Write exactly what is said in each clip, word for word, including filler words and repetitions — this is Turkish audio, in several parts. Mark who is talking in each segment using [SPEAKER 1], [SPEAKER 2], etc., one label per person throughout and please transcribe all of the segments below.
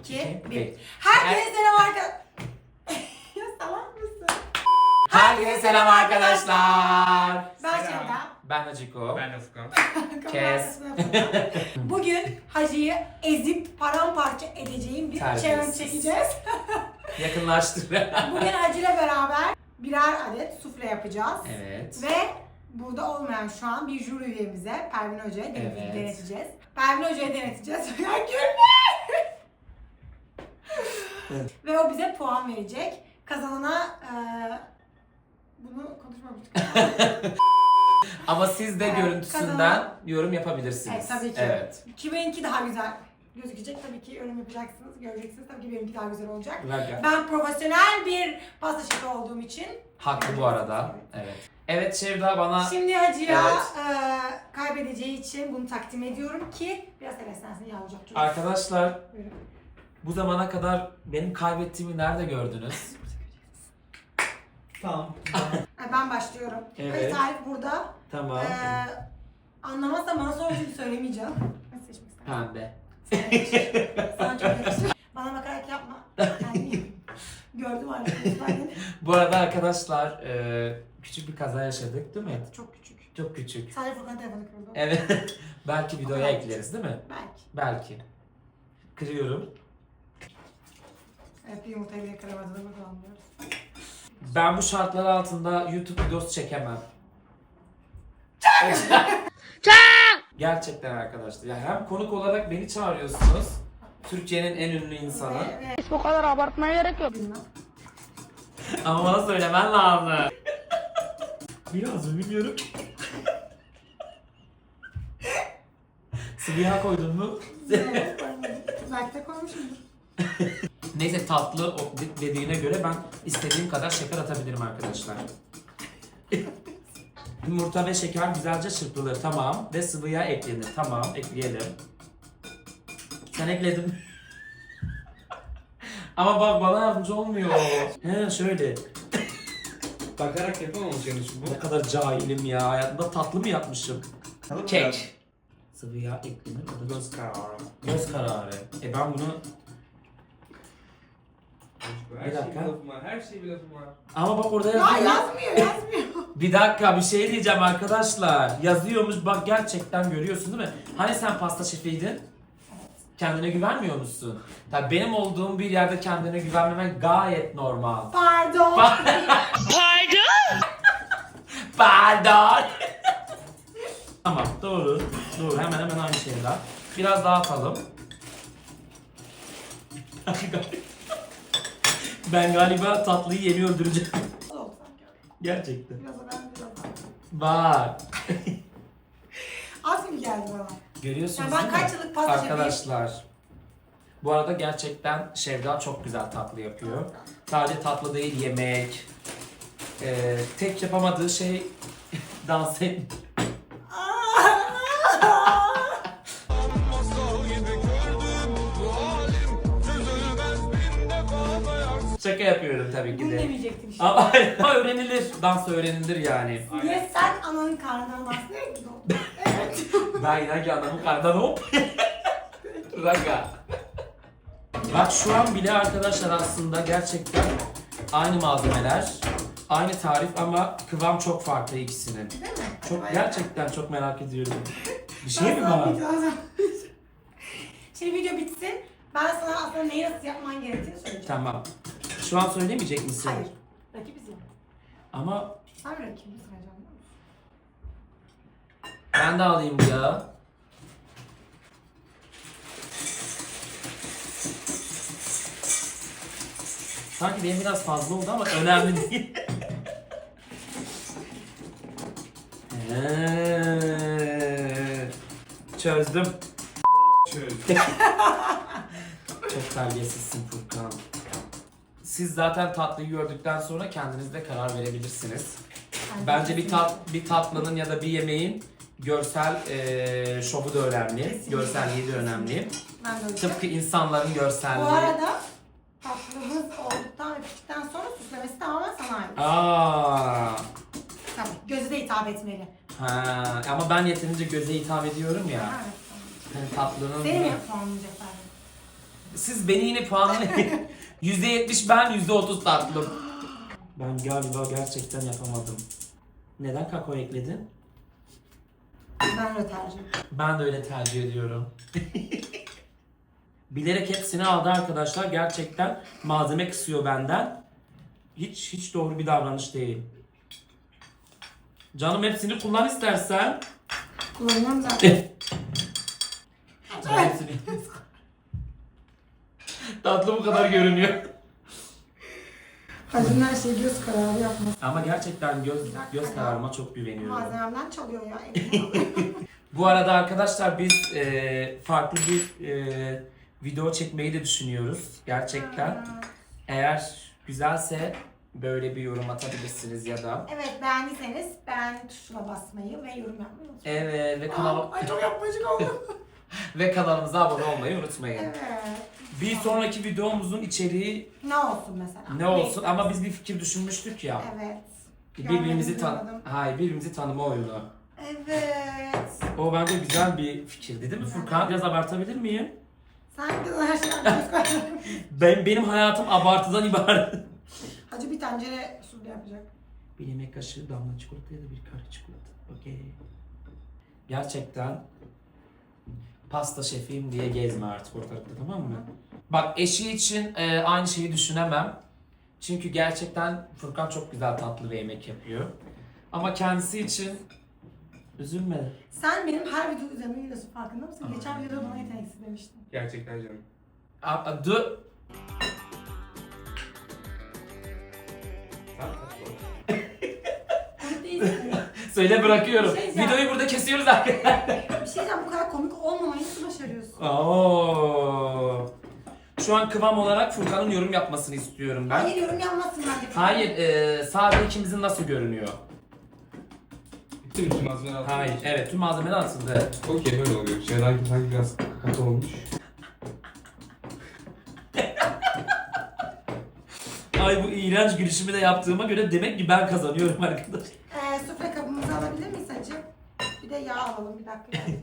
[SPEAKER 1] iki, bir. Herkese selam arkadaşlar. Ya salak mısın?
[SPEAKER 2] Herkese selam arkadaşlar.
[SPEAKER 1] Ben
[SPEAKER 3] Selam.
[SPEAKER 1] Şevda.
[SPEAKER 2] Ben Haciko.
[SPEAKER 3] Ben Ufkan.
[SPEAKER 2] Kes.
[SPEAKER 1] Bugün Hacı'yı ezip paramparça edeceğim bir
[SPEAKER 2] Terbiyesiz.
[SPEAKER 1] challenge çekeceğiz.
[SPEAKER 2] Yakınlaştık.
[SPEAKER 1] Bugün Hacı'yla beraber birer adet sufle yapacağız.
[SPEAKER 2] Evet.
[SPEAKER 1] Ve burada olmayan şu an bir jüri üyemize Pervin Hoca'ya denet-
[SPEAKER 2] Evet.
[SPEAKER 1] deneteceğiz. Pervin Hoca'ya deneteceğiz. Ya gülme! Ve o bize puan verecek. Kazanana eee bunu konuşmamıştık.
[SPEAKER 2] Ama siz de
[SPEAKER 1] Evet,
[SPEAKER 2] görüntüsünden
[SPEAKER 1] kazanan-
[SPEAKER 2] yorum yapabilirsiniz.
[SPEAKER 1] Evet, tabii ki.
[SPEAKER 2] Evet.
[SPEAKER 1] Kiminki daha güzel gözükecek, tabii ki yorum yapacaksınız, göreceksiniz. Tabii ki benimki daha güzel olacak.
[SPEAKER 2] Ver-
[SPEAKER 1] Ben profesyonel bir pasta şefi olduğum için.
[SPEAKER 2] Haklı bu arada. Evet. Evet Şevda bana...
[SPEAKER 1] Şimdi Hacı'ya
[SPEAKER 2] Evet.
[SPEAKER 1] eee, kaybedeceği için bunu takdim ediyorum ki biraz heveslensin yavrucak çocuk.
[SPEAKER 2] Arkadaşlar
[SPEAKER 1] Buyurun.
[SPEAKER 2] bu zamana kadar benim kaybettiğimi nerede gördünüz? Tamam.
[SPEAKER 1] Ha, Ben başlıyorum.
[SPEAKER 2] Evet.
[SPEAKER 1] Hayır, tarif burada.
[SPEAKER 2] Tamam.
[SPEAKER 1] Eee anlamazsam bana sonra çünkü söylemeyeceğim. Nasıl seçmek istersin?
[SPEAKER 2] Pembe.
[SPEAKER 1] Sana çok yakışır. Bana bakarak yapma. Yani gördüm arkadaşlar.
[SPEAKER 2] Bu arada arkadaşlar e, küçük bir kaza yaşadık değil mi?
[SPEAKER 1] Çok küçük.
[SPEAKER 2] Çok küçük.
[SPEAKER 1] Sadece Furkan telefonu kırdı.
[SPEAKER 2] Evet. Belki videoya
[SPEAKER 1] kadar
[SPEAKER 2] ekleriz değil mi?
[SPEAKER 1] Belki.
[SPEAKER 2] Belki. Kırıyorum.
[SPEAKER 1] Evet, bir yumurtayı bile kıramadığını kullanmıyoruz.
[SPEAKER 2] Ben bu şartlar altında YouTube videosu çekemem. Gerçekten arkadaşlar. Yani hem konuk olarak beni çağırıyorsunuz. Türkiye'nin en ünlü insanı.
[SPEAKER 1] Ve, ve
[SPEAKER 4] Bu kadar abartmaya gerek yok.
[SPEAKER 1] bilmem.
[SPEAKER 2] Ama bana söylemen lazım. Biraz bilmiyorum. Sıvı yağ koydun mu?
[SPEAKER 1] Evet, koymadım. Belki de koymuşumdur.
[SPEAKER 2] Neyse tatlı o dediğine göre ben istediğim kadar şeker atabilirim arkadaşlar. Yumurta ve şeker güzelce çırpılır, tamam. Ve sıvı yağ eklenir, tamam. Ekleyelim. Sen ekledin. Ama bak bana yardımcı olmuyor. He şöyle.
[SPEAKER 3] Bakarak yapamamış yani şu bu.
[SPEAKER 2] Ne kadar cahilim ya. Hayatımda tatlı mı yapmışım? Kek. Sıvı yağ eklenir. O da
[SPEAKER 3] Göz kararı.
[SPEAKER 2] göz kararı. E ben bunu...
[SPEAKER 3] Her
[SPEAKER 2] Bir
[SPEAKER 3] şey
[SPEAKER 2] dakika.
[SPEAKER 3] bir lafım var. Her şey bir lafım var.
[SPEAKER 2] Ama bak orada
[SPEAKER 1] Ya
[SPEAKER 2] yazıyor.
[SPEAKER 1] yazmıyor, yazmıyor.
[SPEAKER 2] Bir dakika bir şey diyeceğim arkadaşlar. Yazıyormuş bak gerçekten görüyorsun değil mi? Hani sen pasta şefiydin? Kendine güvenmiyor musun? Tabii benim olduğum bir yerde kendine güvenmemen gayet normal.
[SPEAKER 1] Pardon.
[SPEAKER 2] Pardon. Tamam doğru. Doğru hemen hemen aynı şeyler. Biraz daha atalım. Ben galiba tatlıyı yeni öldüreceğim.
[SPEAKER 1] Oldu sanki.
[SPEAKER 2] Gerçekten.
[SPEAKER 1] Biraz da ben biraz da.
[SPEAKER 2] Bak.
[SPEAKER 1] Az gibi geldi bana.
[SPEAKER 2] Görüyorsunuz
[SPEAKER 1] Yani ben
[SPEAKER 2] değil mi?
[SPEAKER 1] kaç yıllık pasta şefiyim?
[SPEAKER 2] Arkadaşlar. Bu arada gerçekten Şevda çok güzel tatlı yapıyor. Sadece tatlı değil yemek. Ee, tek yapamadığı şey dans et. Şaka yapıyorum tabii ki
[SPEAKER 1] Bunu
[SPEAKER 2] de.
[SPEAKER 1] demeyecektim işte.
[SPEAKER 2] Ama, ama öğrenilir. Dans öğrenilir yani.
[SPEAKER 1] Niye sen ananın karnından bahsediyor gibi oldu? Evet.
[SPEAKER 2] Ben inan ki adamın karnından hop. Raga. Bak şu an bile arkadaşlar aslında gerçekten aynı malzemeler, aynı tarif ama kıvam çok farklı ikisinin.
[SPEAKER 1] Değil mi?
[SPEAKER 2] Çok
[SPEAKER 1] Bayağı.
[SPEAKER 2] gerçekten çok merak ediyorum. Bir şey mi
[SPEAKER 1] Ben sana
[SPEAKER 2] var?
[SPEAKER 1] video alacağım. Şimdi video bitsin. Ben sana aslında neyi nasıl yapman gerektiğini söyleyeceğim.
[SPEAKER 2] Tamam. Şu an söylemeyecek misin?
[SPEAKER 1] Hayır. Rakibiz ya.
[SPEAKER 2] Ama
[SPEAKER 1] Sen rakibiz hocam.
[SPEAKER 2] ben de alayım bu ya. Sanki benim biraz fazla oldu ama önemli değil. Eee, Çözdüm.
[SPEAKER 3] Şöyle.
[SPEAKER 2] Çok terbiyesizsin Furkan. Siz zaten tatlıyı gördükten sonra kendiniz de karar verebilirsiniz. Bence bir tat bir tatlının ya da bir yemeğin görsel eee şovu da önemli.
[SPEAKER 1] Kesinlikle.
[SPEAKER 2] Görselliği de önemli.
[SPEAKER 1] Ben de öyle.
[SPEAKER 2] Tıpkı insanların görselliği.
[SPEAKER 1] Bu arada tatlımız olduktan ve piştikten sonra süslemesi tamamen sana ait.
[SPEAKER 2] Aa.
[SPEAKER 1] Tabii. Göze de hitap etmeli.
[SPEAKER 2] Ha, ama ben yeterince göze hitap ediyorum ya.
[SPEAKER 1] Evet.
[SPEAKER 2] Hani tatlının
[SPEAKER 1] Seni mi puanlayacaklar?
[SPEAKER 2] Siz beni yine puanlayın. yüzde yetmiş ben, yüzde otuz tatlım. Ben galiba gerçekten yapamadım. Neden kakao ekledin?
[SPEAKER 1] Ben öyle tercih ediyorum.
[SPEAKER 2] Ben de öyle tercih ediyorum. Bilerek hepsini aldı arkadaşlar. Gerçekten malzeme kısıyor benden. Hiç hiç doğru bir davranış değil. Canım hepsini kullan istersen.
[SPEAKER 1] Kullanıyorum zaten.
[SPEAKER 2] Canım hepsini. Tatlı bu kadar görünüyor.
[SPEAKER 1] Hacı'nın her şeyi göz kararı yapması.
[SPEAKER 2] Ama gerçekten göz göz kararıma çok güveniyorum.
[SPEAKER 1] Malzememden çalıyor ya. elimden alıyor.
[SPEAKER 2] Bu arada arkadaşlar biz e, farklı bir e, video çekmeyi de düşünüyoruz. Gerçekten. Eğer güzelse böyle bir yorum atabilirsiniz ya da.
[SPEAKER 1] Evet, beğendiyseniz beğen tuşuna basmayı ve yorum yapmayı unutmayın.
[SPEAKER 2] Evet ve kanal
[SPEAKER 1] Ay çok yapmacık oldum.
[SPEAKER 2] ve kanalımıza abone olmayı unutmayın.
[SPEAKER 1] Evet.
[SPEAKER 2] Bir sonraki videomuzun içeriği
[SPEAKER 1] Ne olsun mesela?
[SPEAKER 2] ne olsun ama biz bir fikir düşünmüştük ya.
[SPEAKER 1] Evet.
[SPEAKER 2] Birbirimizi tan
[SPEAKER 1] Görmedim,
[SPEAKER 2] Hayır, birbirimizi tanıma oyunu.
[SPEAKER 1] Evet.
[SPEAKER 2] O bence güzel bir fikirdi değil mi Furkan? Biraz abartabilir miyim?
[SPEAKER 1] Sen kızın her şeyden göz kararı.
[SPEAKER 2] Ben benim hayatım abartıdan ibaret.
[SPEAKER 1] Hacı bir tencere su yapacak.
[SPEAKER 2] Bir yemek kaşığı damla çikolata ya da bir kare çikolata. Okey. Gerçekten pasta şefiyim diye gezme artık ortalıkta, tamam mı? Bak eşi için e, aynı şeyi düşünemem. Çünkü gerçekten Furkan çok güzel tatlı ve yemek yapıyor. Ama kendisi için üzülme.
[SPEAKER 1] Sen benim her video üzerine geliyorsun, farkında mısın?
[SPEAKER 2] Aa.
[SPEAKER 1] Geçen videoda bana yeteneksiz demiştin.
[SPEAKER 3] Gerçekten canım.
[SPEAKER 2] A- a- dur.
[SPEAKER 3] Sen kaç
[SPEAKER 1] Komik değilsin.
[SPEAKER 2] Söyle bırakıyorum.
[SPEAKER 1] Bir şey diyeceğim.
[SPEAKER 2] Videoyu burada kesiyoruz arkadaşlar.
[SPEAKER 1] Bir şey diyeceğim, bu kadar komik olmamayı nasıl başarıyorsun?
[SPEAKER 2] Oo. Şu an kıvam olarak Furkan'ın yorum yapmasını istiyorum ben.
[SPEAKER 1] Hayır, yorum yapmazsın bence.
[SPEAKER 2] Hayır, e, sadece ikimizin nasıl görünüyor?
[SPEAKER 3] Bitti mi tüm malzemeler altında?
[SPEAKER 2] Hayır, evet tüm malzemeler atıldı.
[SPEAKER 3] Okey böyle oluyor. Şeyden sanki biraz katı olmuş.
[SPEAKER 2] Ay bu iğrenç gülüşümü de yaptığıma göre demek ki ben kazanıyorum arkadaş.
[SPEAKER 1] Ee, sufle kabımızı alabilir miyiz hacı? Bir de yağ alalım, bir dakika. Yani.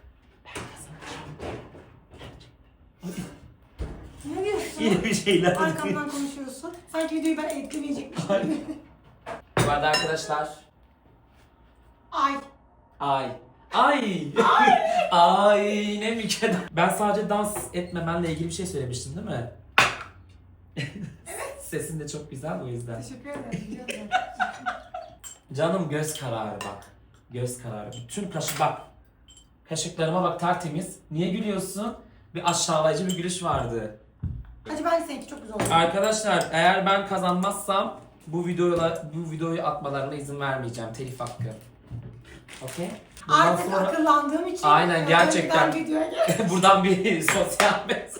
[SPEAKER 1] Ne diyorsun?
[SPEAKER 2] Yine bir şeyler.
[SPEAKER 1] Arkamdan konuşuyorsun. Sanki videoyu ben editlemeyecekmişim gibi.
[SPEAKER 2] Bu arada arkadaşlar.
[SPEAKER 1] Ay.
[SPEAKER 2] Ay. Ay. Ay ne mükemmel. Ben sadece dans etmemenle ilgili bir şey söylemiştim değil mi? Evet. Sesin de çok güzel o yüzden.
[SPEAKER 1] Teşekkür ederim. biliyorum.
[SPEAKER 2] Canım göz kararı bak. Göz kararı. Bütün kaşı bak. Kaşıklarıma bak tertemiz. Niye gülüyorsun? Bir aşağılayıcı bir gülüş vardı.
[SPEAKER 1] Hacı bence seninki çok güzel oldu.
[SPEAKER 2] Arkadaşlar eğer ben kazanmazsam bu videoyla bu videoyu atmalarına izin vermeyeceğim. Telif hakkı. Okey? Bundan
[SPEAKER 1] Artık
[SPEAKER 2] sonra
[SPEAKER 1] akıllandığım için.
[SPEAKER 2] Aynen, gerçekten.
[SPEAKER 1] önceden videoya gel-
[SPEAKER 2] buradan bir sosyal mesaj.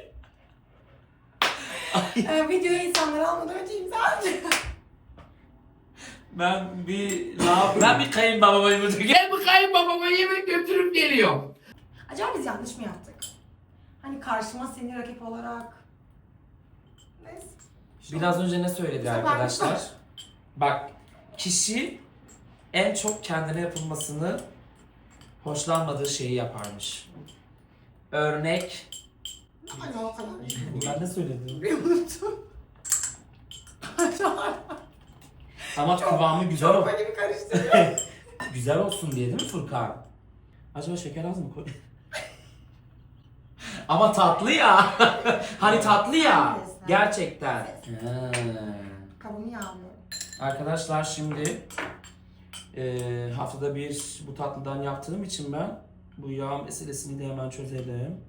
[SPEAKER 1] Ee, videoya insanları almadan önce imza atacağım.
[SPEAKER 2] Ben bir ben bir kayınbabama yemek gel bu kayınbabama yemek götürüp geliyorum.
[SPEAKER 1] Acaba biz yanlış mı yaptık? Hani karşıma seni rakip olarak... Neyse.
[SPEAKER 2] Biraz önce ne söyledi
[SPEAKER 1] Sefer
[SPEAKER 2] arkadaşlar?
[SPEAKER 1] lütfen.
[SPEAKER 2] Bak kişi en çok kendine yapılmasını hoşlanmadığı şeyi yaparmış. Örnek.
[SPEAKER 1] Ay o kadar değil.
[SPEAKER 2] Ben ne söyledim?
[SPEAKER 1] Bir unuttum.
[SPEAKER 2] Ama
[SPEAKER 1] Çok-
[SPEAKER 2] kıvamı güzel
[SPEAKER 1] Çok
[SPEAKER 2] ol.
[SPEAKER 1] böyle bir karıştırıyor.
[SPEAKER 2] Güzel olsun diye değil mi Furkan? Acaba şeker az mı koy? Ama tatlı ya. Hani tatlı ya. Gerçekten. Ha.
[SPEAKER 1] Kabımı yağlıyorum.
[SPEAKER 2] Arkadaşlar şimdi eee, haftada bir bu tatlıdan yaptığım için ben bu yağ meselesini de hemen çözelim.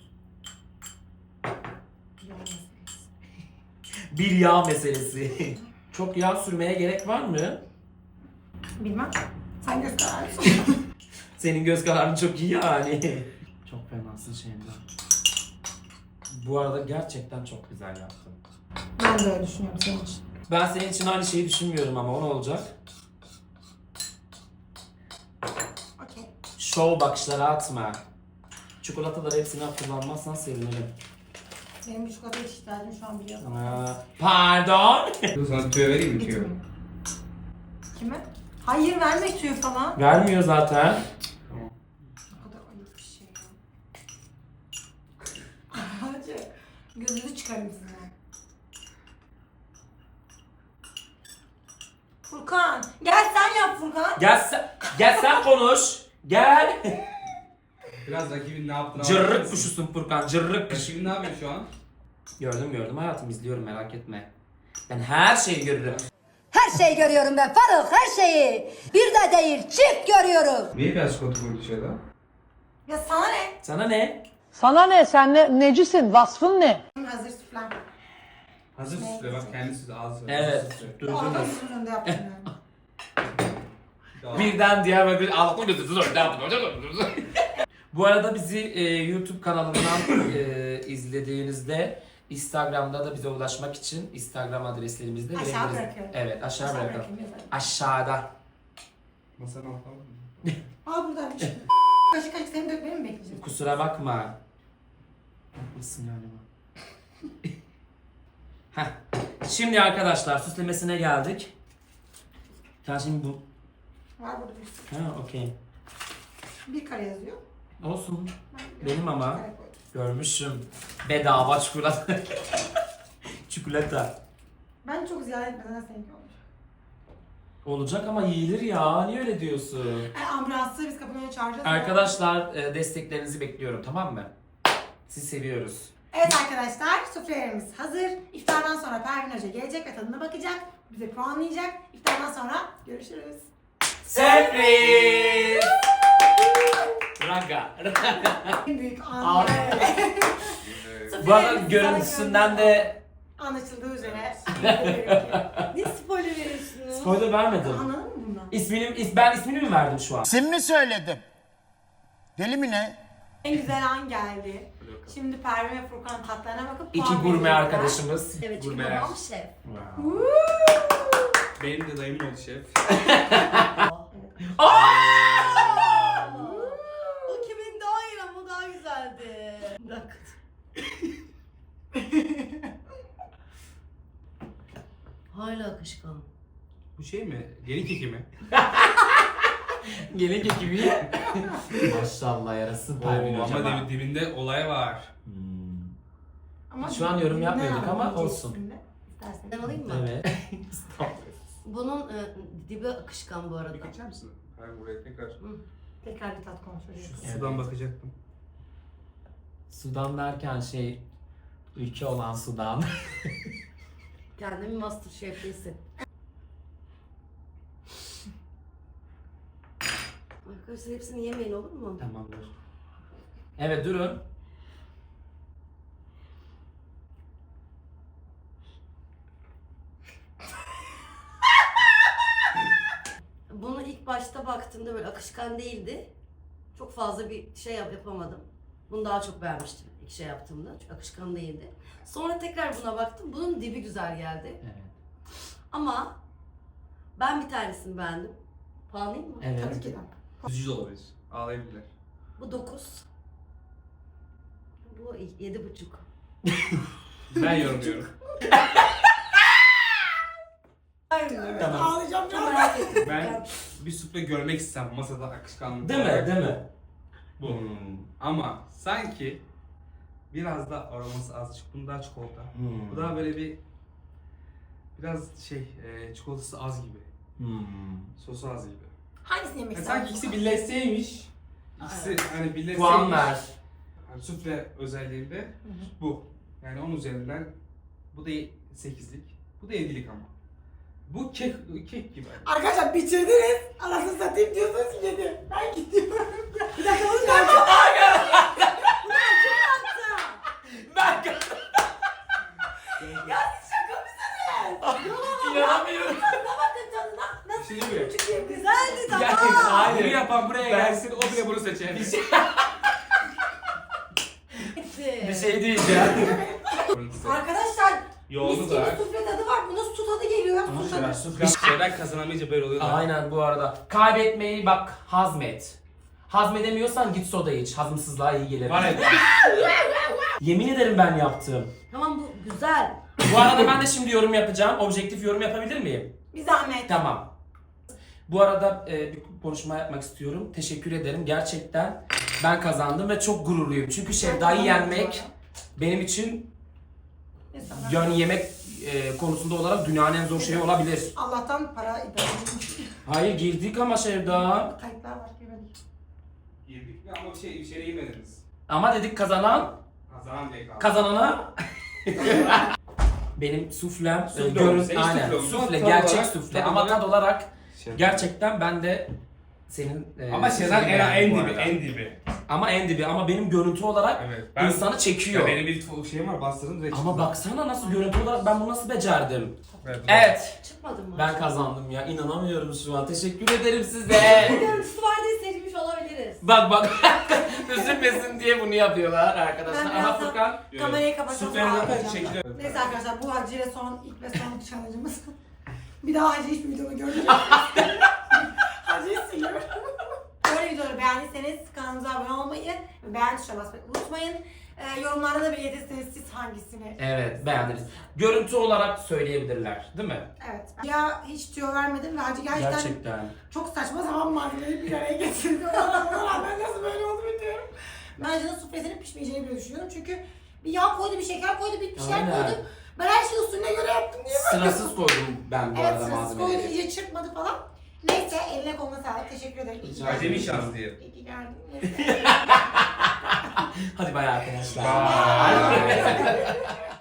[SPEAKER 2] Bir yağ meselesi. Çok yağ sürmeye gerek var mı?
[SPEAKER 1] Bilmem. Sen göz kararısın.
[SPEAKER 2] Senin göz kararın çok iyi yani. Çok fenasın Şeyda. Bu arada gerçekten çok güzel yaptın.
[SPEAKER 1] Ben de öyle düşünüyorum senin için.
[SPEAKER 2] Ben senin için aynı şeyi düşünmüyorum ama o ne olacak?
[SPEAKER 1] Okey.
[SPEAKER 2] Şov bakışları atma. Çikolataları hepsini kullanmazsan sevinirim.
[SPEAKER 1] Benim bir çikolata ihtiyacım şu an biliyorum.
[SPEAKER 2] Aa, pardon.
[SPEAKER 3] Dur sana tüyo vereyim mi tüyo?
[SPEAKER 1] Kime? Hayır verme tüyü falan.
[SPEAKER 2] Vermiyor zaten.
[SPEAKER 3] Tamam.
[SPEAKER 1] Ne kadar ayıp bir şey ya. Hacı. Gözünüzü çıkarım size. Furkan. Gel sen yap Furkan.
[SPEAKER 2] Gel sen, gel sen konuş. Gel.
[SPEAKER 3] Biraz rakibin ne yaptığını
[SPEAKER 2] Cırrık
[SPEAKER 3] anlatırsın.
[SPEAKER 2] kuşusun Furkan, cırrık kuş.
[SPEAKER 3] Rakibin ne yapıyor şu an?
[SPEAKER 2] Gördüm gördüm hayatım, izliyorum, merak etme. Ben her şeyi görürüm.
[SPEAKER 4] Her şeyi görüyorum ben Faruk, her şeyi. Bir de değil, çift görüyorum.
[SPEAKER 3] Niye beyaz çikolata koydu dışarıda?
[SPEAKER 1] Ya sana ne?
[SPEAKER 2] Sana ne?
[SPEAKER 5] Sana ne? Sen ne, necisin? Vasfın ne?
[SPEAKER 1] Hazır süflen.
[SPEAKER 3] Hazır
[SPEAKER 1] Ne?
[SPEAKER 3] süsle bak kendisi de ağzı.
[SPEAKER 2] Evet,
[SPEAKER 1] O adam
[SPEAKER 2] durdunuz.
[SPEAKER 1] sizin önünde yaptım yani.
[SPEAKER 2] Birden diğer bir altın gözü orada yaptım. Bu arada bizi e, YouTube kanalından e, izlediğinizde Instagram'da da bize ulaşmak için Instagram adreslerimizi de
[SPEAKER 1] Aşağı
[SPEAKER 2] verebiliriz.
[SPEAKER 1] bırakıyorum.
[SPEAKER 2] Evet, aşağı,
[SPEAKER 1] Aşağı
[SPEAKER 2] bırakalım.
[SPEAKER 1] bırakayım, yazarım.
[SPEAKER 2] Aşağıda.
[SPEAKER 3] Masanın altına mı?
[SPEAKER 1] Aa buradaymış. Kaşık kaşık seni dökmeni mi bekleyeceğim?
[SPEAKER 2] Kusura bakma. Haklısın galiba. Heh. Şimdi arkadaşlar süslemesine geldik. Sen şimdi bu...
[SPEAKER 1] Var burada bir sürü.
[SPEAKER 2] Ha okey.
[SPEAKER 1] Bir kare yazıyor.
[SPEAKER 2] Olsun.
[SPEAKER 1] Ben
[SPEAKER 2] Benim ama.
[SPEAKER 1] bir kare koydum.
[SPEAKER 2] Görmüşüm. Bedava çikolata. Çikolata.
[SPEAKER 1] Ben çok ziyaret etmeden seninki olmuş.
[SPEAKER 2] Olacak ama yiyilir ya. Niye öyle diyorsun?
[SPEAKER 1] E, ambulansı biz kapının önüne çağıracağız.
[SPEAKER 2] Arkadaşlar e, desteklerinizi bekliyorum, tamam mı? Sizi seviyoruz.
[SPEAKER 1] Evet arkadaşlar, suflelerimiz hazır. İftardan sonra Pervin Hoca gelecek ve tadına bakacak. Bize puanlayacak. İftardan sonra görüşürüz.
[SPEAKER 2] Sürpriz! Raga.
[SPEAKER 1] En büyük an.
[SPEAKER 2] Abi.
[SPEAKER 3] Evet.
[SPEAKER 2] Bu arada görüntüsünden de
[SPEAKER 1] anlaşıldığı üzere.
[SPEAKER 4] Ne spoiler veriyorsunuz?
[SPEAKER 2] spoiler vermedim.
[SPEAKER 1] Anladın mı bundan?
[SPEAKER 2] İsmini, is, ben ismini mi verdim şu an?
[SPEAKER 6] İsim mi söyledim? Deli mi ne?
[SPEAKER 1] En güzel an geldi. Şimdi Pervin ve Furkan tatlarına bakıp
[SPEAKER 2] İki
[SPEAKER 1] puan
[SPEAKER 2] gurme
[SPEAKER 1] verecekler.
[SPEAKER 2] arkadaşımız.
[SPEAKER 4] Evet çünkü
[SPEAKER 3] Gurmeler.
[SPEAKER 4] babam şef.
[SPEAKER 2] Wow.
[SPEAKER 3] Benim de dayım oldu şef.
[SPEAKER 4] O kimin daha iyi ama o daha güzeldi. Bırak. Hala akışkan.
[SPEAKER 3] Bu şey mi? Gelin keki mi?
[SPEAKER 2] Gelin gibi. Maşallah yarasın Pervin
[SPEAKER 3] Oo,
[SPEAKER 2] hocam.
[SPEAKER 3] ama dibi- dibinde olay var.
[SPEAKER 2] Hmm.
[SPEAKER 1] Ama
[SPEAKER 2] Şu an yorum
[SPEAKER 1] ne
[SPEAKER 2] yapmıyorduk ama
[SPEAKER 1] yapalım
[SPEAKER 2] olsun.
[SPEAKER 1] şimdi? İstersen.
[SPEAKER 4] Ben alayım mı?
[SPEAKER 2] Evet.
[SPEAKER 4] Bunun e, dibi akışkan bu arada.
[SPEAKER 3] Bir geçer misin? Hayır buraya tekrar.
[SPEAKER 1] Tekrar bir tat kontrolü yapalım.
[SPEAKER 2] Evet.
[SPEAKER 3] Sudan bakacaktım.
[SPEAKER 2] Sudan derken şey, ülke olan Sudan.
[SPEAKER 4] Kendimi Masterchef'te hissettim. Arkadaşlar hepsini yemeyin olur mu?
[SPEAKER 2] Tamamdır. Evet durun.
[SPEAKER 4] Bunu ilk başta baktığımda böyle akışkan değildi. Çok fazla bir şey yap yapamadım. Bunu daha çok beğenmiştim ilk şey yaptığımda. Çünkü akışkan değildi. Sonra tekrar buna baktım. Bunun dibi güzel geldi.
[SPEAKER 2] Evet.
[SPEAKER 4] Ama ben bir tanesini beğendim. Puanlayayım mı?
[SPEAKER 2] Evet.
[SPEAKER 1] Tabii ki de.
[SPEAKER 3] Üzücü de olabilir. Ağlayabilirler.
[SPEAKER 4] Bu dokuz. Bu yedi buçuk.
[SPEAKER 3] Ben yorumluyorum.
[SPEAKER 2] Tamam.
[SPEAKER 1] Ağlayacağım
[SPEAKER 4] Çok
[SPEAKER 1] ya.
[SPEAKER 4] merak ettim.
[SPEAKER 3] Ben bir sufle görmek istem masada akışkanlık.
[SPEAKER 2] Değil mi?
[SPEAKER 3] olarak.
[SPEAKER 2] Değil mi?
[SPEAKER 3] Bu.
[SPEAKER 2] Hmm.
[SPEAKER 3] Ama sanki biraz da aroması azıcık. Bunun daha çikolata.
[SPEAKER 2] Hmm.
[SPEAKER 3] Bu daha böyle bir biraz şey e, çikolatası az gibi.
[SPEAKER 2] Hmm.
[SPEAKER 3] Sosu az gibi.
[SPEAKER 1] Hangisini yemek
[SPEAKER 3] Yani
[SPEAKER 1] istersin?
[SPEAKER 3] sanki ikisi birleşseymiş. İkisi hani birleşseymiş.
[SPEAKER 2] Puan ver.
[SPEAKER 3] Yani sufle özelliğinde bu. Yani on üzerinden bu da sekizlik. Bu da yedilik ama. Bu kek kek gibi.
[SPEAKER 1] Arkadaşlar bitirdiniz. Anasını satayım diyorsunuz ki yedi. Ben gidiyorum. Bir dakika bunu ben
[SPEAKER 2] Ben
[SPEAKER 1] Ya siz şaka mısınız?
[SPEAKER 2] inanamıyorum.
[SPEAKER 1] Tadına bakın tadına. Nasıl
[SPEAKER 3] Bir şey mi?
[SPEAKER 1] küçük bir güzeldi tamam.
[SPEAKER 2] Gerçekten
[SPEAKER 3] Bunu
[SPEAKER 2] hayır.
[SPEAKER 3] yapan buraya
[SPEAKER 2] Ben-
[SPEAKER 3] gelsin, o bile bunu seçer.
[SPEAKER 2] Bir şey,
[SPEAKER 4] Bitti.
[SPEAKER 2] bir şey diyeceğim.
[SPEAKER 1] Arkadaşlar
[SPEAKER 3] Yoğunu
[SPEAKER 1] mis
[SPEAKER 3] da.
[SPEAKER 1] gibi sufle tadı var. Bunun su tadı geliyor. Su tadı.
[SPEAKER 3] Bir şeyler kazanamayınca böyle oluyor. da.
[SPEAKER 2] Aynen bu arada. Kaybetmeyi bak hazmet. Hazmedemiyorsan git soda iç. Hazımsızlığa iyi gelir.
[SPEAKER 3] Var ya.
[SPEAKER 2] Yemin ederim ben yaptım.
[SPEAKER 4] Tamam bu güzel.
[SPEAKER 2] Bu arada ben de şimdi yorum yapacağım. Objektif yorum yapabilir miyim?
[SPEAKER 1] Bir zahmet.
[SPEAKER 2] Tamam. Bu arada e, bir konuşma yapmak istiyorum. Teşekkür ederim. Gerçekten ben kazandım ve çok gururluyum. Çünkü Şevda'yı yenmek benim için
[SPEAKER 1] İnsanlar-
[SPEAKER 2] Yani yemek e, konusunda olarak dünyanın en zor şeyi olabilir.
[SPEAKER 1] Allah'tan para idareci.
[SPEAKER 2] Hayır girdik ama Sevda.
[SPEAKER 1] Kayıtlar var girmedik.
[SPEAKER 3] Girdik mi ama bir şey içeri girmediniz.
[SPEAKER 2] Ama dedik kazanan
[SPEAKER 3] Kazanan diye kaldı.
[SPEAKER 2] kazanana. Benim suflem,
[SPEAKER 3] Sufle
[SPEAKER 2] e, görün,
[SPEAKER 3] olmuş, hiç
[SPEAKER 2] aynen
[SPEAKER 3] sufle olmuş.
[SPEAKER 2] sufle,
[SPEAKER 3] Tad
[SPEAKER 2] gerçek
[SPEAKER 3] olarak-
[SPEAKER 2] sufle
[SPEAKER 3] tad
[SPEAKER 2] ama
[SPEAKER 3] olarak-
[SPEAKER 2] tad olarak
[SPEAKER 3] Şey-
[SPEAKER 2] gerçekten ben de senin e,
[SPEAKER 3] Ama Sezen
[SPEAKER 2] sufleni
[SPEAKER 3] en,
[SPEAKER 2] beğendim
[SPEAKER 3] en
[SPEAKER 2] bu
[SPEAKER 3] dibi,
[SPEAKER 2] arada.
[SPEAKER 3] en dibi.
[SPEAKER 2] Ama en dibi ama benim görüntü olarak
[SPEAKER 3] Evet.
[SPEAKER 2] insanı çekiyor.
[SPEAKER 3] Ya benim bir şeyim var, bastırdım direkt.
[SPEAKER 2] Ama baksana nasıl görüntü olarak ben bunu nasıl becerdim.
[SPEAKER 3] Evet.
[SPEAKER 2] Evet.
[SPEAKER 4] Çıkmadın mı?
[SPEAKER 2] Ben kazandım ya. İnanamıyorum şu an. Teşekkür ederim size.
[SPEAKER 4] Görüntüsü var diye seçmiş olabiliriz.
[SPEAKER 2] Bak bak. Üzülmesin diye bunu yapıyorlar arkadaşlar.
[SPEAKER 1] Ben
[SPEAKER 2] Ama
[SPEAKER 1] birazdan-
[SPEAKER 2] Furkan
[SPEAKER 1] Kamerayı kapatalım.
[SPEAKER 3] Süflenin zaten
[SPEAKER 1] ağlayacağım.
[SPEAKER 3] şekli.
[SPEAKER 1] Neyse arkadaşlar bu Hacı ile son ilk ve son challenge'ımız. Bir daha Hacı hiçbir videomu görmeyeceğim. Hacı'yı siliyorum. Böyle videoları beğendiyseniz kanalımıza abone olmayı ve beğen tuşuna basmayı unutmayın. Ee, yorumlarda da belirtirseniz siz hangisini.
[SPEAKER 2] Evet beğendiniz. Görüntü olarak söyleyebilirler değil mi?
[SPEAKER 1] Evet. Ya hiç tüyo vermedim ve Hacı gerçekten,
[SPEAKER 2] Gerçekten.
[SPEAKER 1] çok saçma sapan malzemeleri bir araya getirdi. Ona rağmen nasıl böyle oldu bilmiyorum. Ben Hacı'nın suflesinin pişmeyeceğini bile düşünüyorum çünkü bir yağ koydu, bir şeker koydu, bir şeyler
[SPEAKER 2] Aynen.
[SPEAKER 1] koydu. Ben her şeyi usulüne göre yaptım diye böyle.
[SPEAKER 2] Sırasız koydum ben bu
[SPEAKER 1] Evet,
[SPEAKER 2] arada
[SPEAKER 1] sırasız koydu,
[SPEAKER 2] malzemeleri.
[SPEAKER 1] iyice çırpmadı falan. Neyse, eline koluna sağlık. Teşekkür ederim. İyi ki geldin.
[SPEAKER 3] Acemi şans diye.
[SPEAKER 1] İyi ki geldin. Neyse.
[SPEAKER 2] Hadi bay arkadaşlar.
[SPEAKER 3] Bye.